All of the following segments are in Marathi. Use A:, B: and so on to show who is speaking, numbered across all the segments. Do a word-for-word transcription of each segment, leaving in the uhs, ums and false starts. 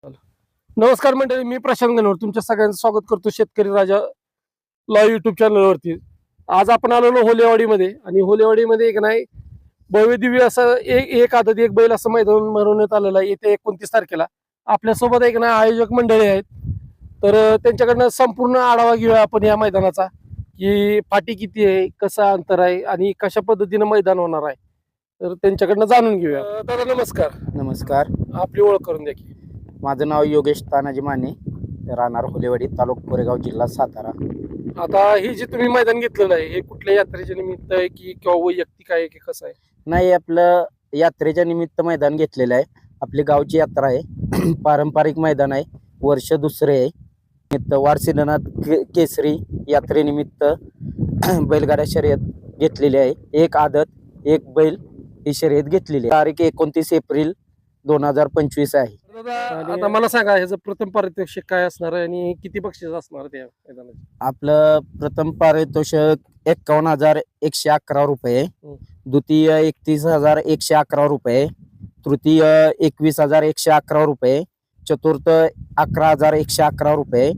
A: नमस्कार मंडळी, मी प्रशांत गणवर तुमच्या सगळ्यांचं स्वागत करतो शेतकरी राजा ला युट्यूब चॅनलवरती. आज आपण आलेलो होलेवाडीमध्ये आणि होलेवाडीमध्ये एक नाही भव्य दिव्य असं एक एक आदत एक बैल असं मैदान भरवण्यात आलेलं आहे येत्या एकोणतीस तारखेला. आपल्यासोबत एक ना आयोजक मंडळी आहेत, तर अं, त्यांच्याकडनं संपूर्ण आढावा घेऊया आपण या मैदानाचा, की फाटी किती आहे, कसं अंतर आहे आणि कशा पद्धतीनं मैदान होणार आहे, तर त्यांच्याकडनं जाणून घेऊया. अं, दादा नमस्कार.
B: नमस्कार.
A: आपली ओळख करून द्या की.
B: माझं नाव योगेश तानाजी माने, राहणार होलेवाडी, तालुका कोरेगाव, जिल्हा सातारा.
A: आता हे जे तुम्ही मैदान घेतलेलं आहे, हे कुठल्या यात्रेच्या निमित्त आहे की किंवा वैयक्तिक आहे की कसं आहे?
B: नाही, आपलं यात्रेच्या निमित्त मैदान घेतलेलं आहे. आपली गावची यात्रा आहे, पारंपरिक मैदान आहे, वर्ष दुसरे आहे. निमित्त वारसिनाथ के केसरी यात्रेनिमित्त बैलगाड्या शर्यत घेतलेली आहे. एक आदत एक बैल ही शर्यत घेतलेली आहे. तारीख एकोणतीस एप्रिल दोन हजार पंचवीस आहे.
A: दादा, आता मला सांगा ह्याचं प्रथम पारितोषिक काय असणार आहे आणि किती बक्षीस असणार त्या मैदानाचे?
B: आपलं प्रथम पारितोषिक एक्कावन्न हजार एकशे अकरा रुपये,
A: हम्म.
B: द्वितीय एकतीस हजार एकशे अकरा रुपये, तृतीय एकवीस हजार एकशे अकरा रुपये, चतुर्थ अकरा हजार एकशे अकरा रुपये,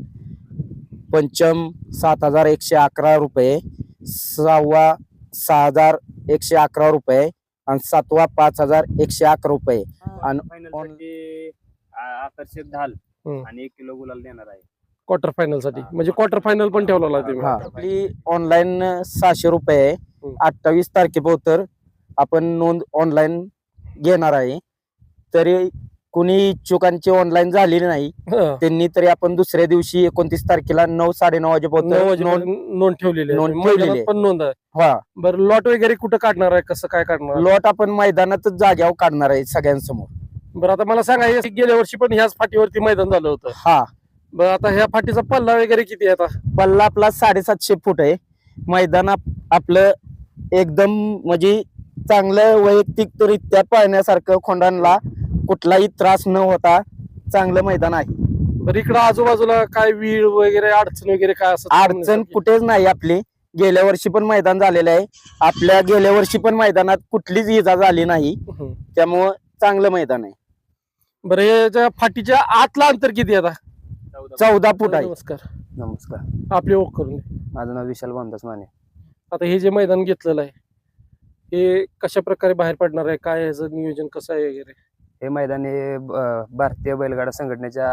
B: पंचम सात हजार एकशे अकरा रुपये, सहावा सहा हजार एकशे अकरा रुपये आणि सातवा पाच हजार एकशे अकरा रुपये. आणि
C: फायनलसाठी आकर्षक ढाल
A: हम्म.
C: आणि एक किलो गुलाल देणार आहे.
A: क्वार्टर फायनल साठी, म्हणजे क्वार्टर फायनल पण ठेवलेला आहे तुम्ही?
B: हा, आपली ऑनलाईन सहाशे रुपये आहे.
A: हम्म.
B: अठ्ठावीस तारखेपर्यंत आपण नोंद ऑनलाईन घेणार आहे. तरी कुणी इच्छुकांची ऑनलाईन झालेली नाही,
A: हा.
B: त्यांनी तरी आपण दुसऱ्या दिवशी एकोणतीस तारखेला नऊ साडेनऊ
A: नऊ
B: वाजेपर्यंत नोंद
A: वाजेपर्यंत नोंद ठेवलेली आहे.
B: नोंद
A: मैदानात
B: ठेवलेली आहे.
A: पण नोंद आहे.
B: हा,
A: बरं, लॉट वगैरे कुठं काढणार आहे, कसं काय काढणार आहे?
B: लॉट आपण मैदानातच जाग्यावर काढणार आहे सगळ्यांसमोर.
A: बरं, आता मला सांगा, हे गेल्या वर्षी पण ह्याच फाटीवरती मैदान झालं होतं.
B: हा,
A: बरं, आता ह्या फाटीचा पल्ला वगैरे किती आहे आता?
B: पल्ला आपला साडेसातशे फूट आहे. मैदान आप- आपलं एकदम म्हणजे चांगलं वैयक्तिकरित्या पाहण्यासारखं, खोंडांना कुठलाही त्रास न होता चांगलं मैदान आहे.
A: बरं, इकडं आजूबाजूला काय वीळ वगैरे अडचण वगैरे काय असं?
B: अडचण कुठेच नाही आपली. गेल्या वर्षी पण मैदान झालेलं आहे. आपल्या गेल्या वर्षी पण मैदानात कुठलीच इजा झाली नाही,
A: हम्म.
B: त्यामुळं चांगलं मैदान आहे.
A: बरं, याच्या फाटीच्या आतला अंतर किती आहे आता?
B: चौदा फूट आहे.
A: नमस्कार,
B: नमस्कार.
A: आपली ओळख करून द्या.
B: माझं नाव विशाल बांधास माने.
A: आता हे जे मैदान घेतलेलं आहे, हे कशा प्रकारे बाहेर पडणार आहे, काय ह्याचं नियोजन कसं आहे वगैरे?
C: हे मैदान हे ब- भारतीय बैलगाडा संघटनेच्या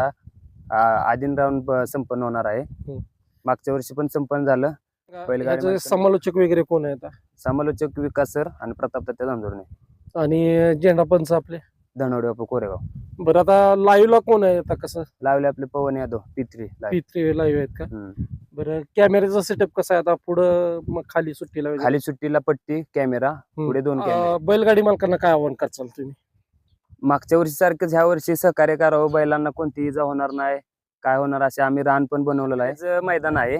C: आ- अधीन राहून ब- संपन्न होणार आहे.
A: हम्म.
C: मागच्या वर्षी पण संपन्न झालं. बैलगाडी
A: ह्याचे
C: मालकांना-
A: समालोचक वगैरे कोण आहे आता?
C: समालोचक विकास सर आणि प्रताप दत्त धांदुर्णे,
A: आणि झेंडा पंच आपले?
C: धनवडे बापू कोरेगाव.
A: बरं, आता लाईव्हला कोण आहे आता? कसं
C: लावले आपले पवन यादव पित्री
A: पी थ्री लाईव्ह आहेत का?
C: हम्म.
A: बरं, कॅमेऱ्याचा सेटअप कसा आहे आता? पुढं मग खाली सुट्टीला वगैरे?
C: खाली सुट्टीला पट्टी, कॅमेरा,
A: हम्म.
C: पुढे दोन कॅमेरे.
A: अं, बैलगाडी मालकांना काय आव्हान करचाल तुम्ही?
C: मागच्या वर्षी सारखंच ह्या वर्षी सहकार्य करावं, बैलांना कोणती इजा होणार नाही, काय होणार असे आम्ही रान पण बनवलेलं आहे. जे मैदान आहे,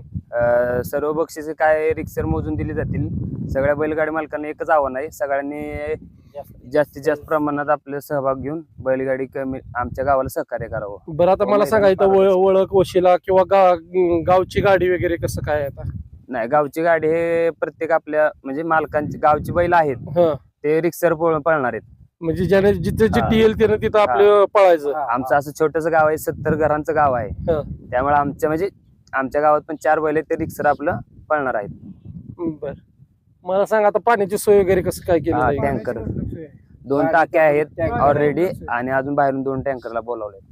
C: अं, सर्व बक्षिसे काय रिक्सर मोजून दिली जातील. सगळ्या बैलगाडी मालकांना एकच आव्हान आहे, सगळ्यांनी जास्तीत जास्त प्रमाणात आपले सहभाग घेऊन बैलगाडी कमी आमच्या गावाला सहकार्य करावं.
A: बरं, आता मला सांगा, इथं वळ- ओळख वशिला किंवा गा- गावची गाडी वगैरे कसं काय आहे आता?
C: नाही, गावची गाडी हे प्रत्येक आपल्या म्हणजे मालकांची गावची बैल आहेत,
A: हं,
C: ते रिक्सर पळणार आहेत.
A: म्हणजे ज्याने जिथे
C: हा.
A: जिथे येईल त्याने तिथं आपलं पळायचं.
C: आमचं असं छोटस गाव आहे, सत्तर घरांचं गाव आहे.
A: हं.
C: त्यामुळे आमच्या म्हणजे आमच्या गावात पण चार बैल आहेत, ते रिक्सर आपलं पळणार आहेत.
A: बर, मला सांगा, आता पाण्याची सोय वगैरे कसं काय केली
C: हा,
A: आहे?
C: टँकर दोन टाक्या आहेत ऑलरेडी आणि अजून बाहेरून दोन टँकरला बोलावले.